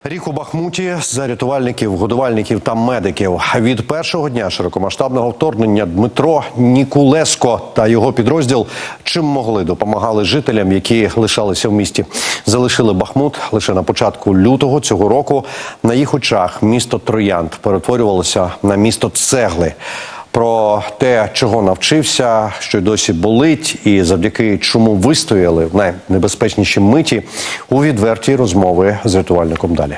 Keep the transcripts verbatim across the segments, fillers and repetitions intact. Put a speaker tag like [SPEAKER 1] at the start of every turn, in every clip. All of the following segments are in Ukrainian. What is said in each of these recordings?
[SPEAKER 1] Рік у Бахмуті за рятувальників, годувальників та медиків. Від першого дня широкомасштабного вторгнення Дмитро Нікулеско та його підрозділ чим могли допомагали жителям, які лишалися в місті. Залишили Бахмут лише на початку лютого цього року. На їх очах місто Троянд перетворювалося на місто цегли. Про те, чого навчився, що й досі болить, і завдяки чому вистояли в найнебезпечніші миті, у відвертій розмови з рятувальником далі.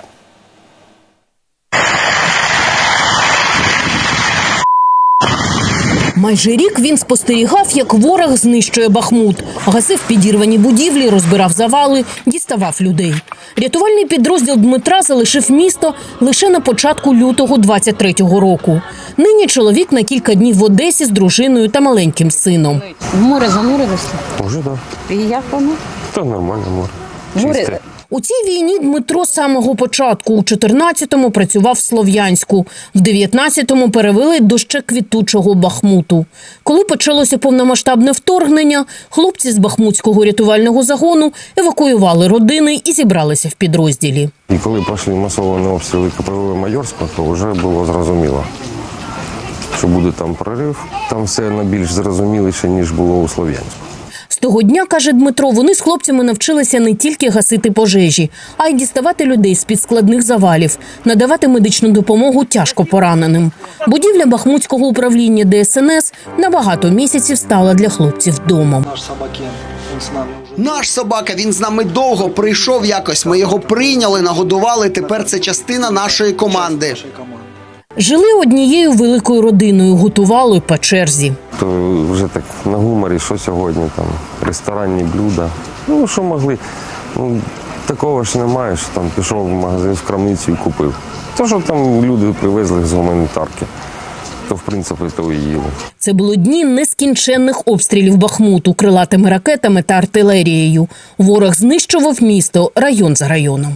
[SPEAKER 2] Майже рік він спостерігав, як ворог знищує Бахмут. Гасив підірвані будівлі, розбирав завали, діставав людей. Рятувальний підрозділ Дмитра залишив місто лише на початку лютого двадцять третього року. Нині чоловік на кілька днів в Одесі з дружиною та маленьким сином.
[SPEAKER 3] В море занурилися?
[SPEAKER 4] Уже, так.
[SPEAKER 3] І як воно?
[SPEAKER 4] Та нормально море.
[SPEAKER 3] Море...
[SPEAKER 4] Чисте.
[SPEAKER 2] У цій війні Дмитро з самого початку. У чотирнадцятому працював в Слов'янську. В дев'ятнадцятому перевели до ще квітучого Бахмуту. Коли почалося повномасштабне вторгнення, хлопці з бахмутського рятувального загону евакуювали родини і зібралися в підрозділі.
[SPEAKER 4] І коли пішли масовані обстріли ка пе ве Майорська, то вже було зрозуміло, що буде там прорив. Там все найбільш зрозуміліше, ніж було у Слов'янську.
[SPEAKER 2] З того дня, каже Дмитро, вони з хлопцями навчилися не тільки гасити пожежі, а й діставати людей з-під складних завалів, надавати медичну допомогу тяжко пораненим. Будівля Бахмутського управління де ес ен ес на багато місяців стала для хлопців домом.
[SPEAKER 5] Наш собака, він з нами довго, прийшов якось, ми його прийняли, нагодували, тепер це частина нашої команди.
[SPEAKER 2] Жили однією великою родиною, готували по черзі.
[SPEAKER 4] То вже так на гуморі, що сьогодні там, ресторанні блюда. Ну, що могли. Ну, такого ж немає, що там пішов в магазин, в крамницю і купив. То, що там люди привезли з гуманітарки, то в принципі то і їли.
[SPEAKER 2] Це були дні нескінченних обстрілів Бахмуту крилатими ракетами та артилерією. Ворог знищував місто район за районом.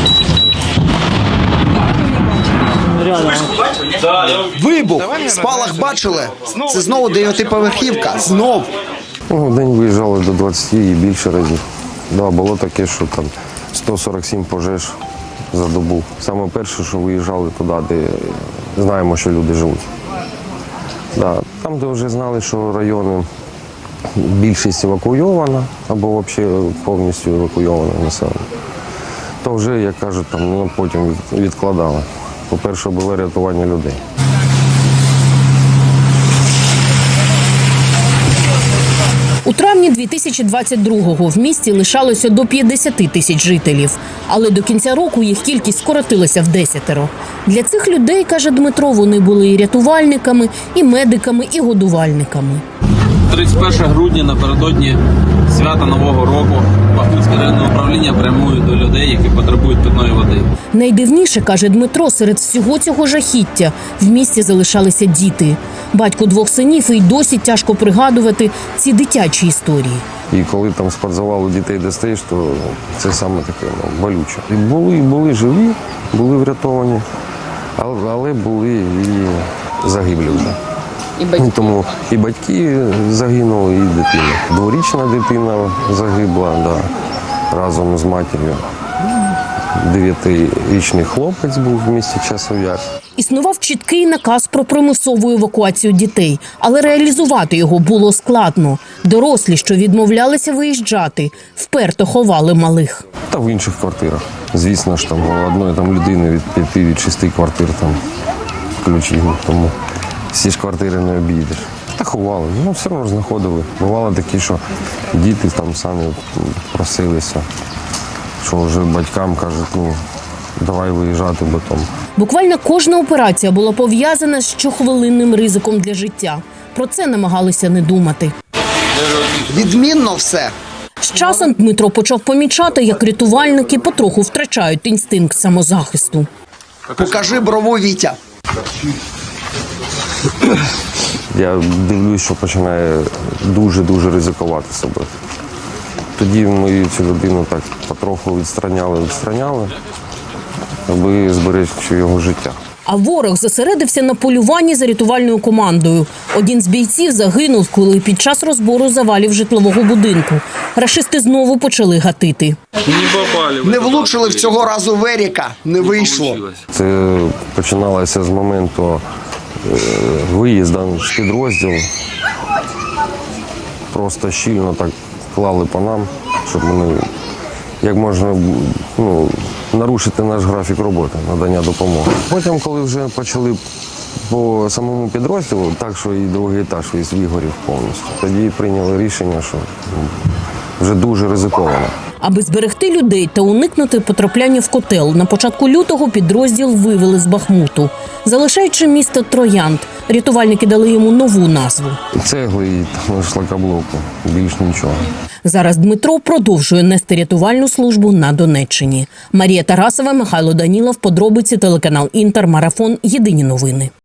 [SPEAKER 5] Вибух! Спалах бачили? Це знову дев'ятиповерхівка. Знов.
[SPEAKER 4] Ну, в день виїжджали до двадцяти і більше разів. Да, було таке, що там сто сорок сім пожеж за добу. Саме перше, що виїжджали туди, де знаємо, що люди живуть. Да, там, де вже знали, що райони більшість евакуйована або взагалі повністю евакуйоване населення, то вже, як кажуть, там, ну, потім відкладали. По-перше, було рятування людей.
[SPEAKER 2] У травні дві тисячі двадцять другого в місті лишалося до п'ятдесят тисяч жителів. Але до кінця року їх кількість скоротилася в десятеро. Для цих людей, каже Дмитро, вони були і рятувальниками, і медиками, і годувальниками.
[SPEAKER 6] тридцять першого грудня напередодні свята Нового року Бахмутське районне управління прямує до людей, які потребують питної води.
[SPEAKER 2] Найдивніше, каже Дмитро, серед всього цього жахіття в місті залишалися діти. Батько двох синів, і досі тяжко пригадувати ці дитячі історії.
[SPEAKER 4] І коли там з підзавалу дітей достаєш, то це саме таке, ну, болюче. І були, і були живі, були врятовані, але, але були і загиблі вже.
[SPEAKER 3] І батьки.
[SPEAKER 4] Тому і батьки загинули, і дитина. Дворічна дитина загибла, да, разом з матір'ю. Дев'ятирічний хлопець був в місті Часов Яр.
[SPEAKER 2] Існував чіткий наказ про примусову евакуацію дітей, але реалізувати його було складно. Дорослі, що відмовлялися виїжджати, вперто ховали малих.
[SPEAKER 4] Та в інших квартирах. Звісно ж, там у одної там людини від п'яти, від шести квартир там ключі, тому всі ж квартири не обійдеш. Та ховали, ну все одно знаходили. Бувало такі, що діти там самі просилися, що вже батькам кажуть, ну давай виїжджати, бо там.
[SPEAKER 2] Буквально кожна операція була пов'язана з щохвилинним ризиком для життя. Про це намагалися не думати.
[SPEAKER 5] Відмінно все.
[SPEAKER 2] З часом Дмитро почав помічати, як рятувальники потроху втрачають інстинкт самозахисту.
[SPEAKER 5] Покажи брову, Вітя.
[SPEAKER 4] Я дивлюсь, що починає дуже-дуже ризикувати себе. Тоді ми цю людину так потроху відстраняли, відстраняли, аби зберегти його життя.
[SPEAKER 2] А ворог зосередився на полюванні за рятувальною командою. Один з бійців загинув, коли під час розбору завалів житлового будинку. Рашисти знову почали гатити.
[SPEAKER 6] Не попали.
[SPEAKER 5] Не влучили в цього разу в Еріка, не вийшло.
[SPEAKER 4] Це починалося з моменту е, виїзду з підрозділу. Просто щільно так клали по нам, щоб ми як можна ну, нарушити наш графік роботи, надання допомоги. Потім, коли вже почали по самому підрозділу, так що і другий етаж весь вигорів повністю, тоді прийняли рішення, що вже дуже ризиковано.
[SPEAKER 2] Аби зберегти людей та уникнути потрапляння в котел, на початку лютого підрозділ вивели з Бахмуту. Залишаючи місто Троянд, рятувальники дали йому нову назву.
[SPEAKER 4] Цегли і там шлакоблоку, більш нічого.
[SPEAKER 2] Зараз Дмитро продовжує нести рятувальну службу на Донеччині. Марія Тарасова, Михайло Данілов, подробиці, телеканал Інтер, Марафон, Єдині новини.